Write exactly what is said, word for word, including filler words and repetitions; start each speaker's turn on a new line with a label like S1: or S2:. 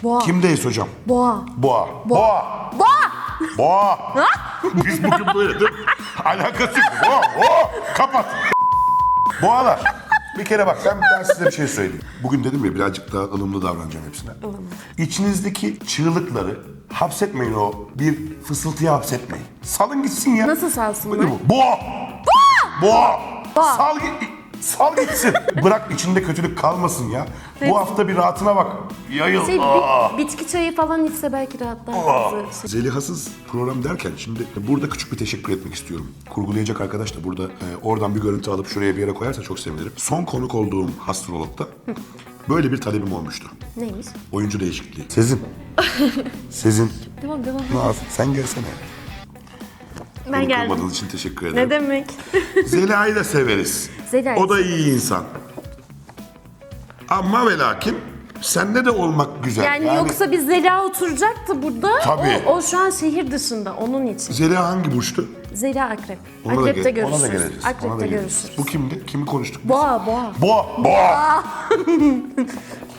S1: Boğa.
S2: Kimdeyiz hocam?
S1: Boğa.
S2: Boğa. Boğa.
S1: Boğa.
S2: Boğa. Biz bugün böyle değil mi? Alakası yok. Boğa. Boğa. Kapat. Boğalar. Bir kere bak ben, ben size bir şey söyleyeyim. Bugün dedim ya birazcık daha ılımlı davranacağım hepsine. İçinizdeki çığlıkları hapsetmeyin, o bir fısıltıya hapsetmeyin. Salın gitsin ya.
S1: Nasıl salsınlar?
S2: Böyle bu. Boğa. Boğa. Boğa.
S1: Boğa.
S2: Sal git. Sal gitsin. Bırak içinde kötülük kalmasın ya. Bu hafta bir rahatına bak. Yayıl.
S1: Şey,
S2: Aa.
S1: bi- bitki çayı falan içse belki rahatlar.
S2: Aa.
S1: bazı şey.
S2: Zelihasız program derken şimdi burada küçük bir teşekkür etmek istiyorum. Kurgulayacak arkadaş da burada e, oradan bir görüntü alıp şuraya bir yere koyarsa çok sevinirim. Son konuk olduğum astrologda böyle bir talebim olmuştu.
S1: Neymiş?
S2: Oyuncu değişikliği. Sezin. Sezin.
S1: Devam devam.
S2: Naz, sen gelsene.
S1: Ben
S2: Beni
S1: geldim.
S2: kırmadığınız için teşekkür ederim.
S1: Ne demek?
S2: Zeliha'yı da severiz.
S1: Zeliha'yı
S2: O da iyi insan. Ama ve lakin sende de olmak güzel.
S1: Yani, yoksa biz Zeliha oturacaktı burada.
S2: Tabii.
S1: O, o şu an şehir dışında onun için.
S2: Zeliha hangi burçtu?
S1: Zeliha akrep.
S2: Ona da
S1: Akrep'te
S2: gel- Ona da
S1: görüşürüz.
S2: geleceğiz. Ona da
S1: Akrep'te
S2: geleceğiz.
S1: görüşürüz.
S2: Bu kimdi? Kimi konuştuk biz?
S1: Boğa boğa.
S2: Boğa. Boğa.